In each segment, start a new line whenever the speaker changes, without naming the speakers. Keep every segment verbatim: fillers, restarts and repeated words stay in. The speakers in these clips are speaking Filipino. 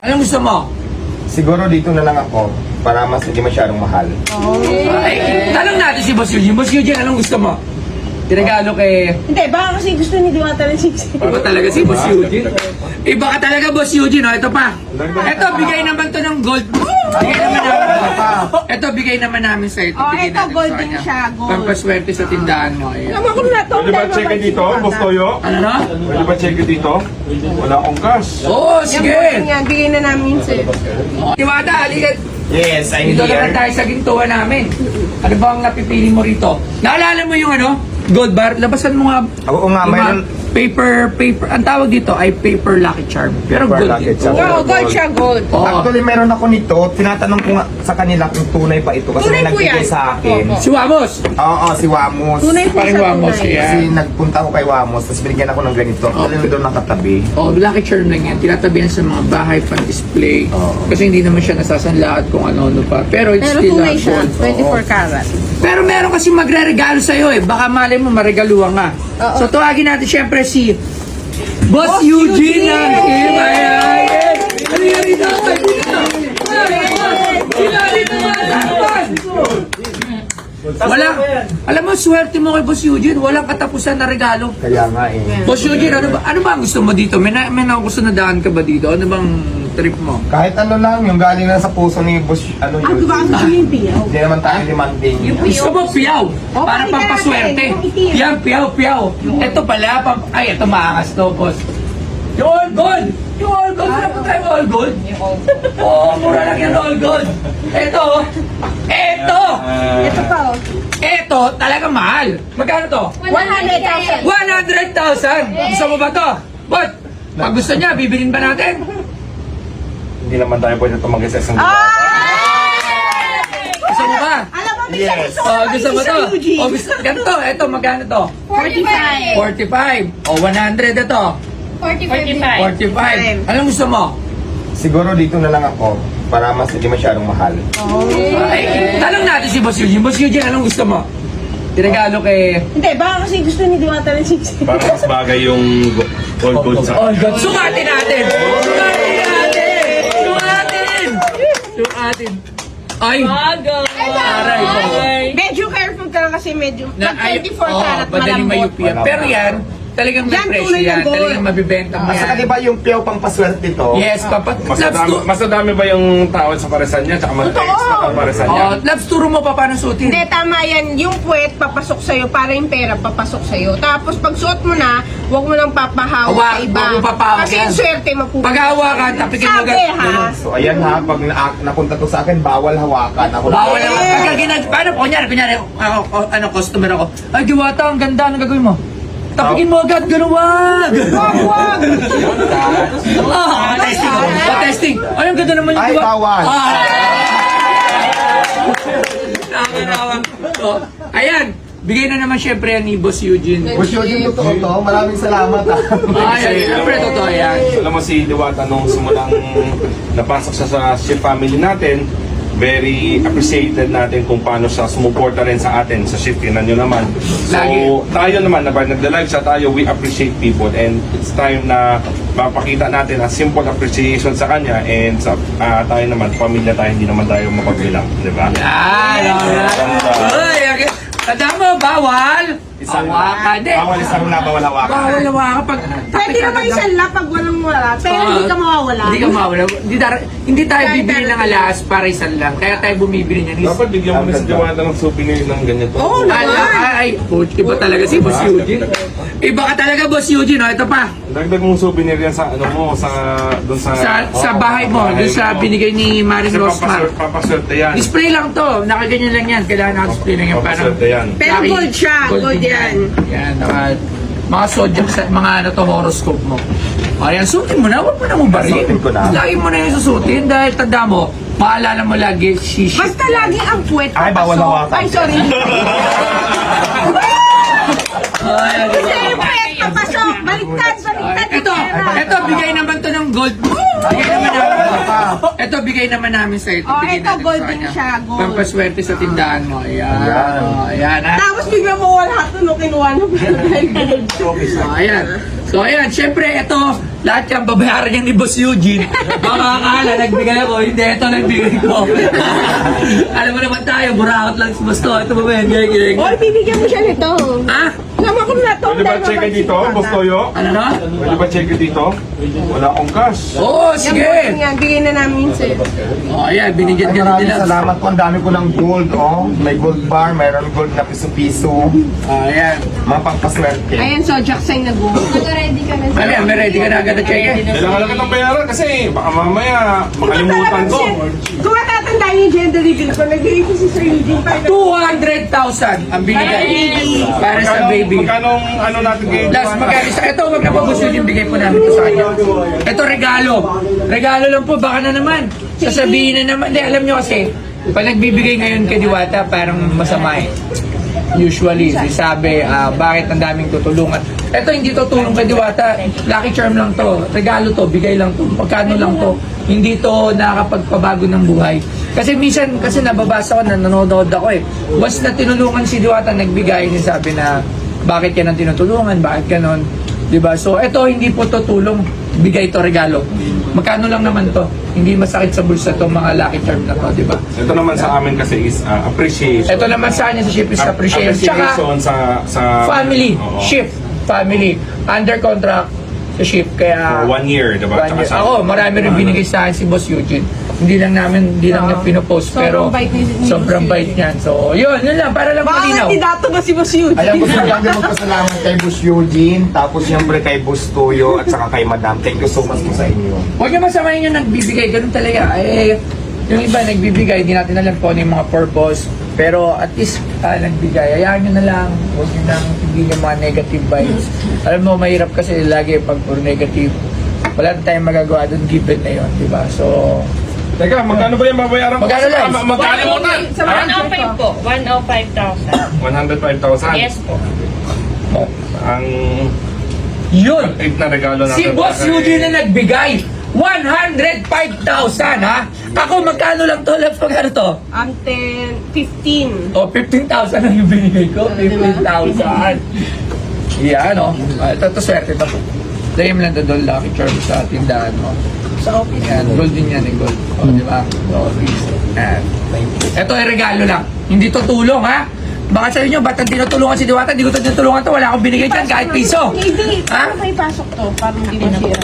Anong gusto mo?
Siguro dito na lang ako para mas hindi masyadong mahal.
Ay, tanong natin si Boss Eugene. Boss Eugene, anong gusto mo? Tinagalo kay...
Hindi, baka kasi gusto ni Diwata ng six.
Iba talaga si Boss Eugene. Iba ka talaga, Boss Eugene. Oh, ito pa. Ito, bigay naman to ng gold. Bigay naman namin. Ito, bigay naman namin sa ito.
Oh,
Bigay
ito,
natin
gold
sa
din
kanya.
siya, gold.
Pampaswerte sa tindahan mo. Ayan.
Alam ko na to.
Pwede ba check dito, Boss Toyo?
Ano na?
Pwede ba check dito? Wala akong cash.
Oo,
Yan,
sige.
yan, bigay na namin sa'yo.
Diwata, halika.
Yes, I'm
Dito naman
here.
tayo sa gintuan namin. Ano ba ang napipili mo rito? Naalala mo yung ano? Gold bar? Labasan mo nga.
Oo nga,
yung mga
mayroon-
Paper, paper. Ang tawag dito ay paper lucky charm. Pero
Paper
gold
lucky
din.
charm.
Oo, gold siya, gold.
Oo.
Actually, meron ako nito. Tinatanong ko nga sa kanila kung tunay pa ito. Kasi
Tunay
may
po
nagbigay
yan.
sa akin.
Oo.
Si Wamos.
Oo, si Wamos.
Tunay po
Paring
siya,
Wamos,
tunay.
yeah.
Kasi nagpunta ako kay Wamos, tapos binigyan ako ng ganito. Actually, doon nakatabi.
Oh, lucky charm lang yan. Tinatabihan sa mga bahay pan display.
Oo.
Kasi hindi naman siya nasasanla at kung ano-ano pa. Pero it's
Pero
still
tunay
a
siya,
gold.
twenty-four karat.
Pero meron kasi magre-regalo sa'yo eh. Baka malay mo, maregaluhan ka.
Oo.
So tawagin natin syempre si Boss,
Boss
Eugene
Eugene!
ng Team Ayan! Ano yan dito? Sila dito Wala. Alam mo, swerte mo kay Boss Eugene. Walang katapusan na regalo.
Kaya nga eh.
Boss Eugene, ano ba, ano ba ang gusto mo dito? May, na, may gusto na daan ka ba dito? Ano bang trip mo?
Kahit ano lang, yung galing na sa puso ni Boss, ano
Ah,
yun.
diba ang gusto yung piyaw?
Hindi naman tayo demanding.
Gusto mo piyaw?
Oh,
Para
pakita
pampaswerte.
natin, yung itim.
Yan, piyaw, piyaw. Ito pala, pam ay, ito maangas to, boss. Yung all gold! Yung all gold! Wala pa tayo all gold? Oo, mura lang yan all gold. Ito, ito,
Ito pa, oh.
ito, talaga mahal. Magkano to?
one hundred thousand.
one hundred thousand! Gusto mo ba to? But, pag gusto niya, bibilin ba natin?
Hindi naman tayo pwede tumagay sa isang
Ah!
Gusto mo ba?
Alam mo, minsan
Yes.
gusto ko
Oh, gusto mo
sa
to?
Eugene.
Oh, gusto, ganito, ito, magkano to?
forty-five.
forty-five. O, one hundred ito.
forty-five.
forty-five. Anong gusto mo?
Siguro dito na lang ako para mas hindi masyadong mahal.
Ay, tanong natin si Boss Eugene. Boss Eugene, anong gusto mo? Tinagalo kay...
Hindi, baka kasi gusto ni Diwata ng six.
Para mas bagay yung gold gold sa...
Oh, God. Sukatin natin! Sukatin natin! Sukatin! Sukatin! Ay! Aray ko.
Medyo careful ka lang kasi medyo...
Na,
Pag
ay,
twenty-four
oh,
karat,
madaling
malambot.
mayupi yan. Pero yan, talagang may
Yan,
presyo
tunay
yan.
ng gold.
Talagang mabibenta mo
At saka
yan.
di ba yung piyaw pang paswerte to?
Yes, papa.
Mas
Labs
dami,
to-
mas dami ba yung tawad sa paresan niya? Tsaka mas extra pa paresan niya?
Oh, labs turo mo pa paano suotin.
Hindi, tama yan. Yung puwet, papasok sa'yo para yung pera papasok sa'yo. Tapos pag suot mo na, huwag mo nang papahawak
Hawak,
sa iba.
huwag mo papahawak
Kasi
yan.
yung swerte mapupunta.
Pag hawakan, tapikin mo
Sabi
agad.
ha.
So ayan ha, pag na napunta to sa akin, bawal hawakan. Ako
Bawal naman. Pagka ginag... Paano? Kunyari, kunyari, ako, ako, ano, customer ako. Ay, Diwata, ang ganda. Anong gagawin mo? Tapikin mo agad. Ganun, wag!
Wag, wag!
Ah, testing ako. Ah, testing. Ay, ang ganda naman yung
Ay,
Diwata.
bawal.
Ah! Nakakatawa. So, ayan. Bigay na naman syempre yan ni Boss Eugene.
Boss Eugene, totoo to. Maraming salamat ha.
Ay, ay, syempre, totoo yan.
Alam mo si Diwata nung simulang napasok siya sa shift family natin, very appreciated natin kung paano siya sumuporta rin sa atin sa shift. Tingnan nyo naman. So,
Lagi.
tayo naman, na nagda-live siya tayo, we appreciate people and it's time na mapakita natin a simple appreciation sa kanya and sa ah, tayo naman, pamilya tayo, hindi naman tayo mapagbilang, di ba?
Yan, alright. Uy, okay. Tanda mo, bawal.
Isang
Hawakan. Di.
Bawal isang na, bawal hawakan.
Bawal hawakan pag...
Pwede naman isang lap pag walang wala. Pero hindi ka mawawala.
Hindi ka mawala. Hindi, dar- hindi tayo
Kahit
bibili ng
darating.
alas para isang lang. Kaya tayo bumibili niyan.
Dapat bigyan mo na si Diwata ng souvenir ng ganito.
Oo,
Ala,
naman.
ay, ay, coach, iba talaga si Boss Eugene. Iba ka talaga, Boss Eugene. Oh, ito pa.
Dagdag mong souvenir yan sa ano mo, sa doon sa
Sa, sa bahay mo, doon sa binigay ni Marin
Kasi
Rosmar.
papaswerte, papaswerte yan.
Display lang to. Nakaganyan lang yan. Kailangan naka-display lang yan. Parang,
Papaswerte yan.
Pero
Laki.
gold siya, gold
din
yan.
Yan, naka, mga zodiac sa mga ano to, horoscope mo. Ayan, suotin mo na. Huwag mo na mong barin.
Suotin ko na.
Lagi mo na yung susutin dahil tanda mo, maalala mo lagi, shishi.
Basta lagi ang puwet
Ay, bawal
papasok.
hawakan.
Ay, sorry.
Ayan.
Kasi yung puwet papasok. Baliktad, baliktad. yung
Ito,
pera.
ito, bigay naman to ng gold. Bigay naman namin. Ito, bigay naman namin sa ito.
Oh,
Bigay
ito,
natin
gold
sa
din
kanya.
siya, gold.
Pampaswerte sa tindahan mo. Ayan.
Ayan.
Oh, ayan, ha?
Tapos bigla mo wala ito no kinuha mo.
So, ayan. So, ayan. Siyempre, ito, lahat yan babayaran yan ni Boss Eugene. Baka akala, nagbigay ako, hindi, ito nagbigay ko. Alam mo naman tayo, burakot lang si Boss to. Ito ba ba yan? Gaya, gaya,
Oy, bibigyan mo siya nito.
Ha?
Alam ko na to.
Pwede ba check dito, Boss Toyo?
Ano na?
Pwede ba check dito? Wala akong cash.
Oo,
Sige.
sige.
Yan, bigay na namin sa'yo.
O, ayan, binigyan ka
Maraming
nila.
salamat po. Ang dami ko ng gold, oh. May gold bar, mayroon gold na piso-piso.
O, ayan.
Mga pangpaswerte.
Ayan, so Jackson nag-go.
Nag-ready ka na
Ano yan, may ready ka na agad na check eh.
Kailangan lang kitang bayaran kasi baka mamaya makalimutan ko.
Kung matatandaan yung gender reveal ko, nagbigay ko si Sir Eugene pa.
two hundred thousand ang binigay. Para sa baby.
Magkano ano natin kay
Last magkano sa ito, wag na po gusto yung bigay po namin ito sa kanya. Ito regalo. Regalo lang po, baka na naman. Sasabihin na naman. Hindi, alam nyo kasi, pag nagbibigay ngayon kay Diwata, parang masama eh. Usually, sabi, ah, bakit ang daming tutulungan. Ito, hindi to tulong kay Diwata. Lucky charm lang to. Regalo to, bigay lang to. Pagkano lang to. Hindi to nakakapagpabago ng buhay. Kasi minsan, kasi nababasa ko na nanonood ako eh. Once na tinulungan si Diwata, nagbigay, sabi na, bakit yan ang tinutulungan, bakit ganon. Diba? So, ito, hindi po to tulong. Bigay to regalo. Magkano lang naman to. Hindi masakit sa bulsa to mga lucky charm na to, diba?
Ito naman sa amin kasi is uh, appreciation.
Ito naman sa kanya sa ship is
Ap-
appreciation. Tsaka,
appreciation sa sa
family,
Oo.
shift, family, under contract sa ship. Kaya,
For one year, diba?
one
Tsaka
year.
sa-
Ako, marami rin binigay sa akin si Boss Eugene. Hindi lang namin, hindi lang niya pinopost,
Sobrang
pero
bait ni- ni
sobrang
Boss
bait niyan. So, yun, yun lang, para lang
Baka
malinaw.
kandidato ba si Boss Eugene?
Alam ko sa kanya magpasalamat kay Boss Eugene, tapos siyempre kay Boss Toyo, at saka kay Madam. Thank you so much po sa inyo.
Huwag niyo masamayin yung nagbibigay, ganun talaga. Eh, yung iba nagbibigay, hindi natin alam kung ano yung mga purpose. Pero at least ah, nagbigay. Hayaan nyo na lang. Huwag nyo nang hindi yung mga negative vibes. Alam mo, mahirap kasi lagi pag puro negative. Wala na tayong magagawa doon, given na yun, di ba? So,
Teka, magkano ba yung babayaran ko?
Magkano, Lance?
Ma- Magkalimutan!
Sa mga
one oh five po. one oh five thousand.
one hundred five thousand.
Yes po.
oh,
Ang
yun!
eight na regalo natin.
Si Boss Eugene na nagbigay. one hundred five thousand, ha? Ako, magkano lang to? Left, magkano to?
Ang ten, fifteen.
O, fifteen thousand ang ibinigay ko. fifteen thousand. Yan, o. Uh, ito, ito, swerte ito. Dahil lang doon, lucky charm sa tindahan mo.
Sa office.
Yan, gold din yan, eh, gold. O, di ba? So, yan. Ito ay regalo lang. Hindi to tulong, ha? Baka sa inyo, ba't ang tinutulungan si Diwata? Hindi ko to tinutulungan to. Wala akong binigay dyan, kahit piso.
Hindi,
Ha?
paano kayo pasok to? Para hindi masira.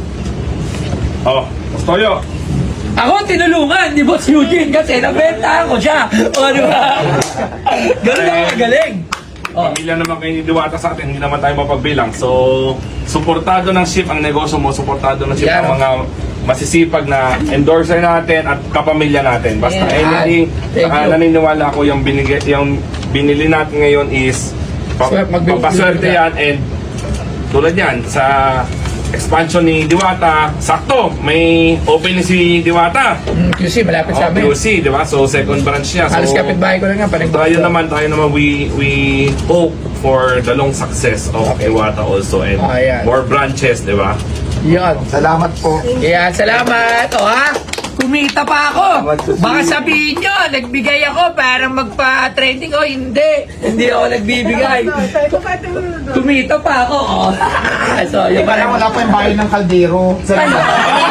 Oh, Boss Toyo.
Ako ang tinulungan ni Boss Eugene kasi nabenta ko siya. O, di ba? Ganun ako magaling. Oh.
Pamilya naman kayo ni Diwata sa atin, hindi naman tayo mapagbilang. So, suportado ng ship ang negosyo mo, suportado ng ship
Yan.
ang mga masisipag na endorser natin at kapamilya natin. Basta
Yan.
anything,
Thank
saka
you.
naniniwala ako yung, binigay, yung binili natin ngayon is pa,
Swer- magbibigay
papaswerte
ka.
yan and tulad yan sa expansion ni Diwata, sakto, may opening si Diwata.
Mm, Q C, malapit
Oh,
sa amin.
Q C, di ba? So, second branch niya. So,
Halos kapitbahay ko lang nga. Parang
tayo naman, tayo naman, we we hope for the long success of
Okay.
Iwata also and
Ah, yan.
more branches, di ba?
Yun.
Salamat po.
Kaya salamat. O ha? Kumita pa ako. Baka sabihin nyo, nagbigay ako para magpa-trending. O hindi. Hindi ako nagbibigay. Kumita pa ako. O. So,
Eh,
yung
parang wala pa yung bahay ng kaldero. Salamat.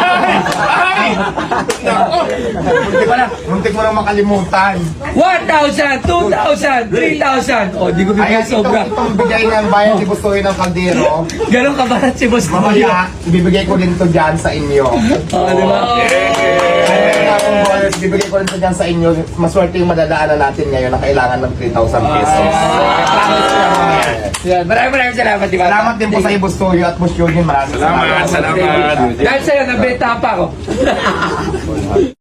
Wala.
Muntik mo nang makalimutan.
one thousand, two thousand, three thousand. O, di ko
Ayan,
bigay sobra.
itong, itong bigay ng bayan ni Bustoy ng kaldero.
Ganon kabarat si Boss Toyo.
Mamaya, ibibigay ko din to dyan sa inyo.
O, di ba?
Kaya akong bonus, bibigay ko rin to dyan sa inyo. Maswerte yung madadaanan natin ngayon na kailangan ng three thousand pesos. Promise ko yan mamaya.
Yan. Maraming maraming salamat, di ba?
Salamat din po sa iyo, Bustoy at Bus Eugene. Maraming
Salamat, salamat.
Dahil sa'yo, nabenta pa ako.